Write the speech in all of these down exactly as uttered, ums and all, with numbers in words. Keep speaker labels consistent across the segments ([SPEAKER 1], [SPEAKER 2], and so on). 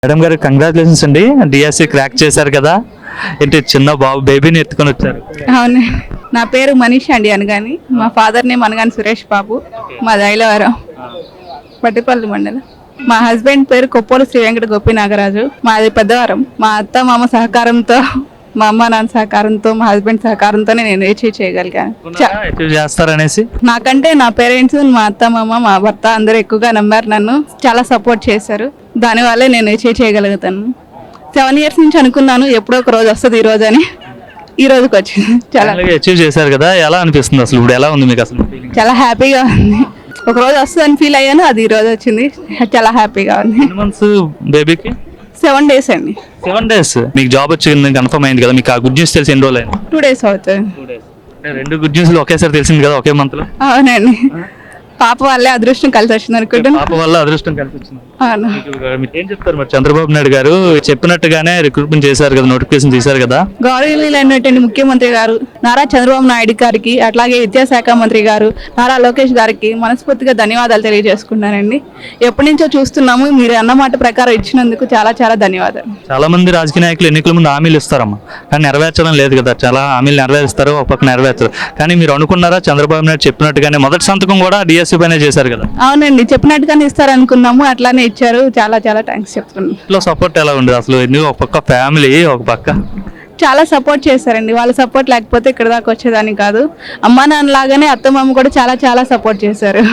[SPEAKER 1] Madam గారు congratulations అండి, DSC crack చేశారు కదా. ఏంటి చిన్న బాబు బేబీని ఎత్తుకొని వచ్చారు.
[SPEAKER 2] అవును, నా పేరు మనీష్ అండి అనగాని, మా ఫాదర్ నేమ్ అనగాని సురేష్ బాబు, మా దైలవరం పట్టిపల్లి మండలం. మా హస్బెండ్ పేరు కొప్పోలు శ్రీ వెంకట గోపి నాగరాజు, మాది పెద్దవరం. మా అత్త మామ సహకారంతో, మా అమ్మ నాన్న సహకారంతో, మా హస్బెండ్ సహకారంతోనే నేను అచీవ్ చేయగలిగాను. చ-
[SPEAKER 1] అచీవ్ చేస్తారనేసి
[SPEAKER 2] నాకంటే నా పేరెంట్స్, మా అత్త మామ, మా భర్త అందరూ ఎక్కువగా నమ్మారు, నన్ను చాలా సపోర్ట్ చేశారు. దానివల్లే నేను అచీవ్ చేయగలుగుతాను. సెవెన్ ఇయర్స్ నుంచి అనుకున్నాను ఎప్పుడో ఒక రోజు వస్తుంది ఈ రోజు అని, ఈ రోజుకి వచ్చింది. చాలా
[SPEAKER 1] అచీవ్ చేశారు కదా, ఎలా అనిపిస్తుంది అసలు? ఇప్పుడు ఎలా ఉంది మీకు అసలు?
[SPEAKER 2] చాలా హ్యాపీగా ఉంది. ఒక రోజు వస్తుందని ఫీల్ అయ్యాను, అది ఈ రోజు వచ్చింది. చాలా హ్యాపీగా ఉంది.
[SPEAKER 1] ఎన్ని మంత్స్ బేబీకి?
[SPEAKER 2] సెవెన్ డేస్ అండి.
[SPEAKER 1] సెవెన్ డేస్ మీకు జాబ్ వచ్చింది కన్ఫర్మ్ అయింది కదా. మీకు ఆ గుడ్ న్యూస్ తెలిసి ఎన్ని రోజులు అయింది?
[SPEAKER 2] టూ డేస్ అవుతుంది.
[SPEAKER 1] రెండు గుడ్ న్యూస్లు ఒకేసారి తెలిసింది కదా ఒకే మంత్ లో.
[SPEAKER 2] అవునండి, పాప వాళ్ళే అదృష్టం కలిసి వచ్చింది అనుకుంటున్నాను.
[SPEAKER 1] పాప వల్ల అదృష్టం కలిసి వచ్చింది.
[SPEAKER 2] అవును.
[SPEAKER 1] మీకు ఏం చెప్తారు మరి? చంద్రబాబు నాయుడు గారు చెప్పినట్టుగానే రిక్రూట్మెంట్ చేశారు కదా, నోటిఫికేషన్ తీశారు కదా.
[SPEAKER 2] గౌరవనీయులైనటువంటి ముఖ్యమంత్రి గారు నారా చంద్రబాబు నాయుడు గారికి, అట్లాగే విద్యాశాఖ మంత్రి గారు నారా లోకేష్ గారికి మనస్ఫూర్తిగా ధన్యవాదాలు తెలియజేసుకున్నానండి. ఎప్పటి నుంచో చూస్తున్నాము, మీరు అన్నమాట ప్రకారం ఇచ్చినందుకు చాలా చాలా ధన్యవాదాలు.
[SPEAKER 1] చాలా మంది రాజకీయ నాయకులు ఎన్నికల ముందు హామీలు ఇస్తారమ్మా, కానీ నెరవేర్చడం లేదు కదా. చాలా హామీలు నెరవేరుస్తారు, ఒక పక్క నెరవేర్చరు. కానీ మీరు అనుకున్నారా చంద్రబాబు నాయుడు చెప్పినట్టుగానే మొదటి సంతకం కూడా డిఎస్సీ పైన చేశారు కదా?
[SPEAKER 2] అవునండి, చెప్పినట్టుగానే ఇస్తారనుకున్నాము, అట్లానే ఇచ్చారు. చాలా చాలా థ్యాంక్స్ చెప్తున్నాను.
[SPEAKER 1] ఇంట్లో సపోర్ట్ ఎలా ఉండదు అసలు? ఎందుకు ఒక పక్క ఫ్యామిలీ, ఒక పక్క
[SPEAKER 2] చాలా సపోర్ట్ చేశారండి. వాళ్ళ సపోర్ట్ లేకపోతే ఇక్కడ దాకా వచ్చేదాన్ని కాదు. అమ్మా నాన్న లాగానే అత్తమ్మ కూడా చాలా చాలా సపోర్ట్ చేశారు.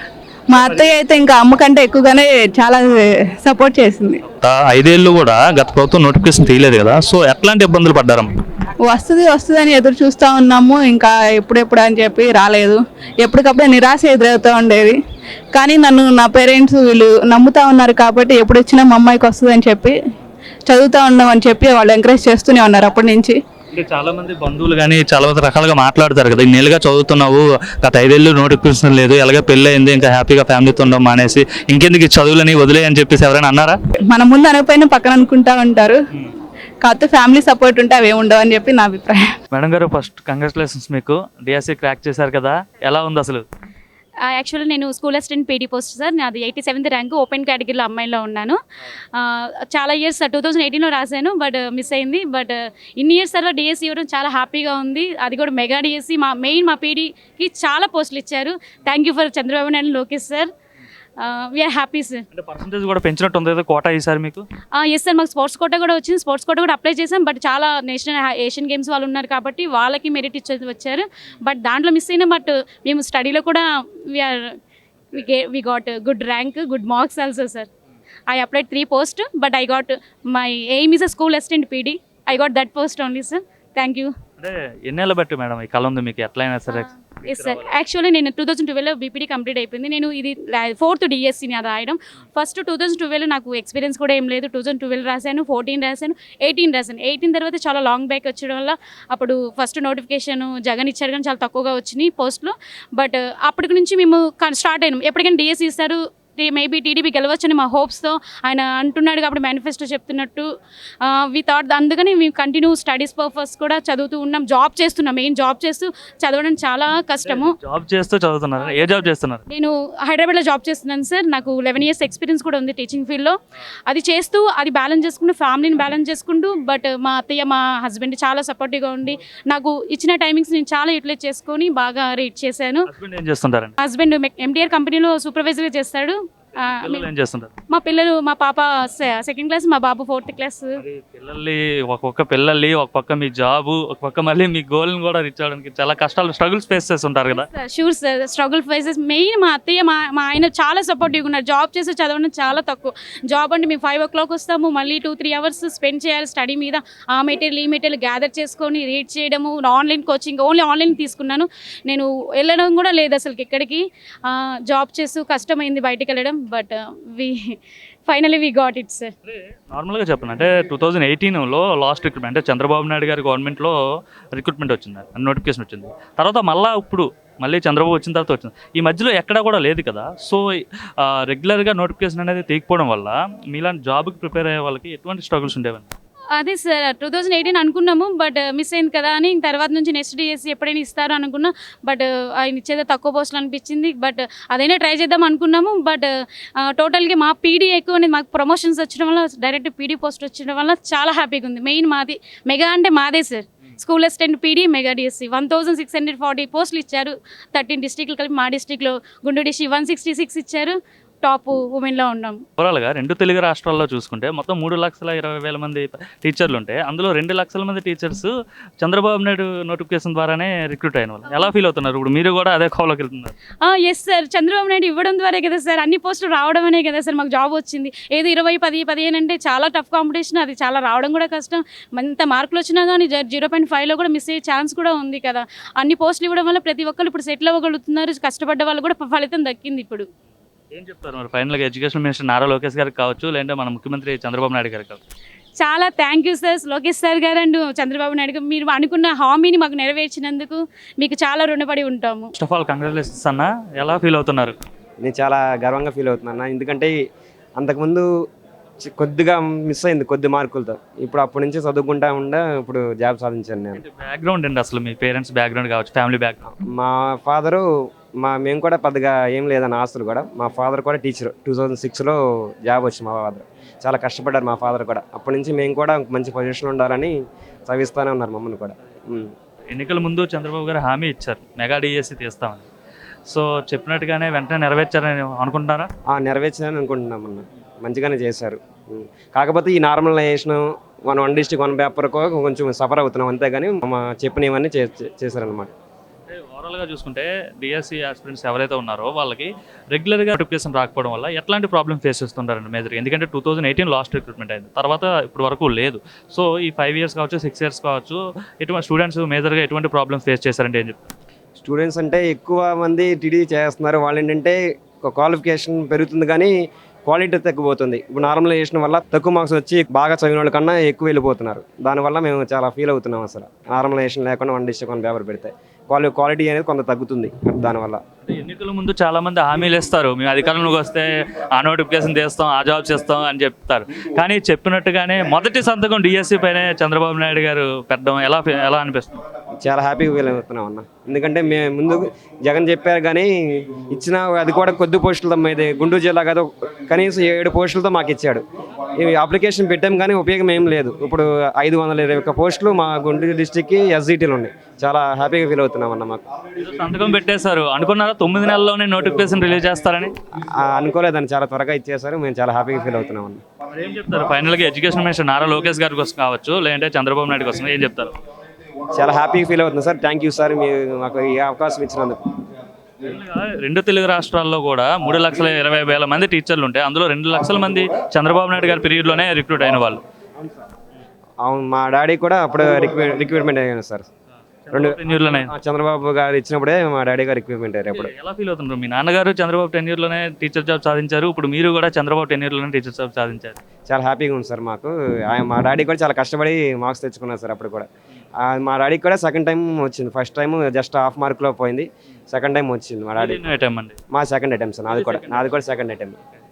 [SPEAKER 2] మా అత్తయ్య అయితే ఇంకా అమ్మ కంటే ఎక్కువగానే చాలా సపోర్ట్ చేసింది.
[SPEAKER 1] ఆ ఐదేళ్ళు కూడా గత ప్రభుత్వం నోటిఫికేషన్ తీయలేదు కదా, సో ఎట్లాంటి ఇబ్బందులు పడ్డారమ్మా?
[SPEAKER 2] వస్తుంది వస్తుంది అని ఎదురు చూస్తూ ఉన్నాము, ఇంకా ఎప్పుడెప్పుడు అని చెప్పి రాలేదు. ఎప్పటికప్పుడే నిరాశ ఎదురవుతూ ఉండేది. కానీ నన్ను నా పేరెంట్స్ వీళ్ళు నమ్ముతా ఉన్నారు కాబట్టి ఎప్పుడు వచ్చినా మా అమ్మాయికి వస్తుంది అని చెప్పి, చదువుతూ ఉన్నామని చెప్పి వాళ్ళు ఎంకరేజ్ చేస్తూనే ఉన్నారు అప్పటి నుంచి.
[SPEAKER 1] అంటే చాలా మంది బంధువులు కానీ చాలా మంది రకాలుగా మాట్లాడతారు కదా, ఇన్నేళ్ళుగా చదువుతున్నావు, గత ఐదేళ్ళు నోటిఫికేషన్ లేదు, ఎలాగ పెళ్ళి అయింది, ఇంకా హ్యాపీగా ఫ్యామిలీతో ఉండడం మానేసి ఇంకెందుకు ఈ చదువులని వదిలే అని చెప్పేసి ఎవరైనా అన్నారా?
[SPEAKER 2] మన ముందు అనకపోయినా పక్కన అనుకుంటా ఉంటారు, కాకపోతే ఫ్యామిలీ సపోర్ట్ ఉంటే అవి ఉండవు అని చెప్పి నా అభిప్రాయం.
[SPEAKER 1] మేడం గారు, ఫస్ట్ కంగ్రాచులేషన్స్, మీకు డిఎస్సి క్రాక్ చేశారు కదా, ఎలా ఉంది అసలు?
[SPEAKER 3] యాక్చువల్లీ నేను school assistant PD post sir. నాది ఎయిటీ సెవెంత్ ర్యాంక్, ఓపెన్ కేటగిరీలో అమ్మాయిలో ఉన్నాను. చాలా ఇయర్స్ టూ థౌజండ్ ఎయిటీన్లో రాశాను, బట్ మిస్ అయింది. బట్ ఇన్ని ఇయర్స్ తర్వాత డిఎస్సి ఇవ్వడం చాలా హ్యాపీగా ఉంది. అది కూడా మెగా డిఎస్సి. మా మెయిన్ మా పీడీకి చాలా పోస్టులు ఇచ్చారు. Thank you for Chandrababu Naidu, Lokesh sir. We are happy sir.
[SPEAKER 1] అంటే పర్సంటేజ్ కూడా పెంచినట్టు ఉంది కోటా ఈసారి మీకు?
[SPEAKER 3] ఎస్ సార్, మాకు స్పోర్ట్స్ కోటా కూడా వచ్చింది. స్పోర్ట్స్ కోటా కూడా అప్లై చేసాం, బట్ చాలా నేషనల్ ఏషియన్ గేమ్స్ వాళ్ళు ఉన్నారు కాబట్టి వాళ్ళకి మెరిట్ ఇచ్చేది వచ్చారు. బట్ దాంట్లో మిస్ అయినా, బట్ మేము స్టడీలో కూడా we are we got good rank, good marks also sir. I applied three post, but I got my aim is a school assistant PD. I got that post only sir. Thank you.
[SPEAKER 1] అంటే ఎన్నేళ్ళ బట్టి madam ఈ కళ ఉంది మీకు, ఎట్లయినా సరే?
[SPEAKER 3] Yes sir, actually నేను టూ థౌసండ్ ట్వెల్వ్లో బీపీడీ కంప్లీట్ అయిపోయింది. నేను ఇది ఫోర్త్ డిఎస్సీని అది రాయడం. ఫస్ట్ టూ థౌసండ్ ట్వెల్వ్ నాకు ఎక్స్పీరియన్స్ కూడా ఏం లేదు. టూ థౌసండ్ ట్వెల్వ్ రాశాను, ఫోర్టీన్ రాశాను, ఎయిటీన్ రాశాను. ఎయిటీన్ తర్వాత చాలా లాంగ్ బ్యాక్ వచ్చడం వల్ల అప్పుడు ఫస్ట్ నోటిఫికేషన్ జగన్ ఇచ్చారు కానీ చాలా తక్కువగా వచ్చినాయి పోస్టులు. బట్ అప్పటి నుంచి మేము స్టార్ట్ అయినాం, ఎప్పటికైనా డిఎస్సీ ఇస్తారు, మేబీ టీడీపీ గెలవచ్చని మా హోప్స్తో ఆయన అంటున్నాడు కాబట్టి మేనిఫెస్టో చెప్తున్నట్టు వి థాట్. అందుకని మేము కంటిన్యూ స్టడీస్ పర్పస్ కూడా చదువుతూ ఉన్నాం, జాబ్ చేస్తున్నాం. మెయిన్ జాబ్ చేస్తూ చదవడం చాలా కష్టము.
[SPEAKER 1] జాబ్ చేస్తూ చదువుతున్నారు? ఏ జాబ్ చేస్తున్నారు?
[SPEAKER 3] నేను హైదరాబాద్లో జాబ్ చేస్తున్నాను సార్. నాకు లెవెన్ ఇయర్స్ ఎక్స్పీరియన్స్ కూడా ఉంది టీచింగ్ ఫీల్డ్లో. అది చేస్తూ అది బ్యాలెన్స్ చేసుకుంటూ ఫ్యామిలీని బ్యాలెన్స్ చేసుకుంటూ, బట్ మా అత్తయ్య మా హస్బెండ్ చాలా సపోర్టివ్గా ఉండి నాకు ఇచ్చిన టైమింగ్స్ నేను చాలా యూటిలైజ్ చేసుకొని బాగా రీడ్ చేశాను.
[SPEAKER 1] హస్బెండ్ ఏం చేస్తుంటారండి?
[SPEAKER 3] హస్బెండ్ ఎంటీఆర్ కంపెనీలో సూపర్వైజర్గా చేస్తాడు.
[SPEAKER 1] ఏం చేస్తుంటారు?
[SPEAKER 3] మా పిల్లలు, మా పాప సెకండ్ క్లాస్, మా బాబు ఫోర్త్ క్లాస్.
[SPEAKER 1] పిల్లల్ని ఒక్కొక్క పిల్లల్ని ఒక పక్క మీ జాబు, ఒక పక్క మళ్ళీ మీ గోల్ని కూడా రీచ్ అవ్వడానికి చాలా కష్టాలు, స్ట్రగుల్స్ ఫేస్ చేస్తుంటారు కదా?
[SPEAKER 3] Sure sir, struggle faces. Main మా అత్తయ్య మా మా ఆయన చాలా సపోర్టివ్గా ఉన్నారు. జాబ్ చేసి చదవడం చాలా తక్కువ. జాబ్ అంటే మేము ఫైవ్ ఓ క్లాక్ వస్తాము, మళ్ళీ టూ త్రీ అవర్స్ స్పెండ్ చేయాలి స్టడీ మీద. ఆ మెటీరియల్ ఈ మెటీరియల్ గ్యాదర్ చేసుకొని రీడ్ చేయడము, ఆన్లైన్ కోచింగ్ ఓన్లీ ఆన్లైన్ తీసుకున్నాను. నేను వెళ్ళడం కూడా లేదు అసలు ఎక్కడికి. జాబ్ చేస్తూ కష్టమైంది బయటకు వెళ్ళడం, but we finally we got it sir.
[SPEAKER 1] నార్మల్గా చెప్పండి, అంటే టూ థౌజండ్ ఎయిటీన్లో లాస్ట్ రిక్రూట్మెంట్ అంటే చంద్రబాబు నాయుడు గారి గవర్నమెంట్లో రిక్రూట్మెంట్ వచ్చింది, నోటిఫికేషన్ వచ్చింది. తర్వాత మళ్ళీ ఇప్పుడు మళ్ళీ చంద్రబాబు వచ్చిన తర్వాత వచ్చింది. ఈ మధ్యలో ఎక్కడా కూడా లేదు కదా. సో రెగ్యులర్గా నోటిఫికేషన్ అనేది తీయకపోవడం వల్ల మీలాంటి జాబ్కి ప్రిపేర్ అయ్యే వాళ్ళకి ఎటువంటి స్ట్రగుల్స్ ఉండేవండి?
[SPEAKER 3] అదే సార్ టూ థౌజండ్ ఎయిటీన్ అనుకున్నాము బట్ మిస్ అయింది కదా అని తర్వాత నుంచి నెక్స్ట్ డిఎస్సి ఎప్పుడైనా ఇస్తారు అనుకున్నాం బట్ ఆయన ఇచ్చేది తక్కువ పోస్టులు అనిపించింది బట్ అదైనా ట్రై చేద్దాం అనుకున్నాము బట్ టోటల్గా మా పీడీ ఎక్కువ అనేది మాకు ప్రమోషన్స్ వచ్చడం వల్ల డైరెక్ట్ పీడీ పోస్ట్ వచ్చడం వల్ల చాలా హ్యాపీగా ఉంది. మెయిన్ మాది మెగా అంటే మాదే sir. School assistant PD mega DSC one thousand six hundred forty పోస్టులు ఇచ్చారు. థర్టీన్ డిస్ట్రిక్ట్లు కలిపి మా డిస్ట్రిక్ట్లో Guntur district one sixty six ఇచ్చారు. టాప్ ఉమెన్లో ఉన్నాం.
[SPEAKER 1] ఓవరాల్గా రెండు తెలుగు రాష్ట్రాల్లో చూసుకుంటే మొత్తం మూడు లక్షల ఇరవై వేల మంది టీచర్లు ఉంటే అందులో రెండు లక్షల మంది టీచర్స్ చంద్రబాబు నాయుడు నోటిఫికేషన్ ద్వారానే రిక్రూట్ అయిన వాళ్ళు. ఎలా ఫీల్ అవుతున్నారు? ఇప్పుడు మీరు కూడా అదే కోవలోకి వెళ్తున్నారు.
[SPEAKER 3] ఎస్ సార్, చంద్రబాబు నాయుడు ఇవ్వడం ద్వారా కదా సార్ అన్ని పోస్టులు రావడం అనే కదా సార్ మాకు జాబ్ వచ్చింది. ఏదో ఇరవై పది పదిహేను అంటే చాలా టఫ్ కాంపిటీషన్, అది చాలా రావడం కూడా కష్టం. ఎంత మార్కులు వచ్చినా కానీ జీరో పాయింట్ ఫైవ్లో కూడా మిస్ అయ్యే ఛాన్స్ కూడా ఉంది కదా. అన్ని పోస్టులు ఇవ్వడం వల్ల ప్రతి ఒక్కరు ఇప్పుడు సెటిల్ అవ్వగలుగుతున్నారు. కష్టపడ్డ వాళ్ళు కూడా ఫలితం దక్కింది. ఇప్పుడు
[SPEAKER 1] ఏం చెప్తారు మరి ఫైనల్గా ఎడ్యుకేషన్ మినిస్టర్ నారా లోకేష్ గారికి కావచ్చు, లేదంటే మన ముఖ్యమంత్రి చంద్రబాబు నాయుడు గారికి కావచ్చు?
[SPEAKER 3] చాలా thank you sir Lokesh sir గారు అండ్ చంద్రబాబు నాయుడు గారు. మీరు అనుకున్న హామీని మాకు నెరవేర్చినందుకు మీకు చాలా రుణపడి ఉంటాము.
[SPEAKER 1] ఫస్ట్ ఆఫ్ ఆల్ కంగ్రాచులేషన్స్ అన్న. ఎలా ఫీల్ అవుతున్నారు?
[SPEAKER 4] నేను చాలా గర్వంగా ఫీల్ అవుతున్నాను. ఎందుకంటే అంతకుముందు చి- కొద్దిగా మిస్ అయింది కొద్ది మార్కులతో. ఇప్పుడు అప్పటి నుంచి చదువుకుంటా ఉండా ఇప్పుడు జాబ్ సాధించాను నేను.
[SPEAKER 1] బ్యాక్గ్రౌండ్ అండి అసలు మీ పేరెంట్స్ బ్యాక్గ్రౌండ్ కావచ్చు, ఫ్యామిలీ బ్యాక్గ్రౌండ్.
[SPEAKER 4] మా ఫాదరు మా మేము కూడా పెద్దగా ఏం లేదన్న ఆస్తులు కూడా. మా ఫాదర్ కూడా టీచర్. టూ థౌజండ్ సిక్స్లో జాబ్ వచ్చింది మా ఫాదర్. చాలా కష్టపడ్డారు మా ఫాదర్ కూడా. అప్పటి నుంచి మేము కూడా మంచి పొజిషన్ ఉండాలని చదివిస్తూనే ఉన్నారు మమ్మల్ని కూడా. ఉమ్.
[SPEAKER 1] ఎన్నికల ముందు చంద్రబాబు గారు హామీ ఇచ్చారు మెగా డిఎస్సి తీస్తామని. సో చెప్పినట్టుగానే వెంటనే నెరవేర్చారని అనుకుంటున్నారా?
[SPEAKER 4] ఆ, నెరవేర్చాలని అనుకుంటున్నాం అన్న. మంచిగానే చేశారు. ఉమ్. కాకపోతే ఈ normalization one one district one పేపర్కో కొంచెం సఫర్ అవుతున్నాం అంతేగాని మా చెప్పినవన్నీ చే చేశారనమాట.
[SPEAKER 1] అంటే ఓవరాల్గా చూసుకుంటే డిఎస్సి ఆస్పిరెంట్స్ ఎవరైతే ఉన్నారో వాళ్ళకి రెగ్యులర్గా నోటిఫికేషన్ రాకపోవడం వల్ల ఎట్లాంటి ప్రాబ్లమ్ ఫేస్ చేస్తుంటారండి మేజర్? ఎందుకంటే two thousand eighteen last recruitment అయింది, తర్వాత ఇప్పుడు వరకు లేదు. సో ఈ ఫైవ్ ఇయర్స్ కావచ్చు, సిక్స్ ఇయర్స్ కావచ్చు, ఎటువంటి స్టూడెంట్స్ మేజర్గా ఎటువంటి ప్రాబ్లమ్స్ ఫేస్ చేశారంటే ఏం చెప్తారు?
[SPEAKER 4] స్టూడెంట్స్ అంటే ఎక్కువ మంది టీడీ చేస్తున్నారు. వాళ్ళు ఏంటంటే క్వాలిఫికేషన్ పెరుగుతుంది కానీ క్వాలిటీ తగ్గిపోతుంది. ఇప్పుడు నార్మలైజేషన్ వల్ల తక్కువ మార్క్స్ వచ్చి బాగా చదివిన వాళ్ళ కన్నా ఎక్కువ వెళ్ళిపోతున్నారు. దానివల్ల మేము చాలా ఫీల్ అవుతున్నాం. అసలు నార్మలైజేషన్ లేకుండా వన్ డిస్ట్రిక్ట్ వన్ పేపర్ పెడితే క్వాలి క్వాలిటీ అనేది కొంత తగ్గుతుంది దానివల్ల.
[SPEAKER 1] అంటే ఎన్నికల ముందు చాలా మంది హామీలు ఇస్తారు, మేము అధికారంలోకి వస్తే ఆ నోటిఫికేషన్ చేస్తాం, ఆ జాబ్ చేస్తాం అని చెప్తారు. కానీ చెప్పినట్టుగానే మొదటి సంతకం డిఎస్సి పైనే చంద్రబాబు నాయుడు గారు పెట్టడం ఎలా ఎలా అనిపిస్తుంది?
[SPEAKER 4] చాలా హ్యాపీగా ఫీల్ అవుతున్నాం అన్న. ఎందుకంటే మేము ముందు జగన్ చెప్పారు కానీ ఇచ్చిన అది కూడా కొద్ది పోస్టులతో ఇది గుంటూరు జిల్లా కదా కనీసం ఏడు పోస్టులతో మాకు ఇచ్చాడు. ఇవి అప్లికేషన్ పెట్టాం కానీ ఉపయోగం ఏం లేదు. ఇప్పుడు ఐదు వందల ఇరవై ఒక్క పోస్టులు మా గుంటూరు డిస్టిక్కి ఎస్జిటీలు ఉన్నాయి. చాలా హ్యాపీగా ఫీల్ అవుతున్నాం అన్న. మాకు
[SPEAKER 1] సంతకం పెట్టేశారు అనుకున్నారా తొమ్మిది నెలల్లోనే నోటిఫికేషన్ రిలీజ్ చేస్తారని?
[SPEAKER 4] ఆ, అనుకోలేదని చాలా త్వరగా ఇచ్చేసారు. మేము చాలా హ్యాపీగా ఫీల్ అవుతున్నాం అన్న.
[SPEAKER 1] మరి ఏం చెప్తారు ఫైనల్గా ఎడ్యుకేషన్ మినిస్టర్ నారా లోకేష్ గారి కోసం కావచ్చు, లేదంటే చంద్రబాబు నాయుడు కోసం ఏం చెప్తారు?
[SPEAKER 4] చాలా హ్యాపీగా ఫీల్ అవుతుంది సార్. థ్యాంక్ యూ సార్, మీరు మాకు ఈ అవకాశం ఇచ్చినందుకు.
[SPEAKER 1] రెండు తెలుగు రాష్ట్రాల్లో కూడా మూడు లక్షల ఇరవై వేల మంది టీచర్లు ఉంటే అందులో రెండు లక్షల మంది చంద్రబాబు నాయుడు గారి పీరియడ్లోనే రిక్రూట్ అయిన వాళ్ళు.
[SPEAKER 4] అవును, మా డాడీ కూడా అప్పుడు రిక్రూ రిక్రూట్మెంట్ అయ్యాను సార్. రెండు
[SPEAKER 1] టెన్యూర్లోనే.
[SPEAKER 4] ఆ, చంద్రబాబు గారు ఇచ్చినప్పుడే మా డాడీ గారు రిక్రూట్మెంట్ అయ్యారు. అప్పుడు
[SPEAKER 1] ఎలా ఫీల్ అవుతున్నారు? మీ నాన్నగారు చంద్రబాబు టెన్యూర్లోనే టీచర్ జాబ్ సాధించారు, ఇప్పుడు మీరు కూడా చంద్రబాబు టెన్యూర్లోనే టీచర్ జాబ్ సాధించారు.
[SPEAKER 4] చాలా హ్యాపీగా ఉంది సార్ మాకు. ఆయన మా డాడీ కూడా చాలా కష్టపడి మార్క్స్ తెచ్చుకున్నారు సార్. అప్పుడు కూడా ఆ, మా డాడీకి కూడా సెకండ్ టైం వచ్చింది. ఫస్ట్ టైం జస్ట్ హాఫ్ మార్క్లో పోయింది, సెకండ్ టైం వచ్చింది మా డాడీ.
[SPEAKER 1] టైం అండి
[SPEAKER 4] మా సెకండ్ అటెంప్ట్ సార్. నాది కూడా నాది కూడా సెకండ్ అటెంప్ట్.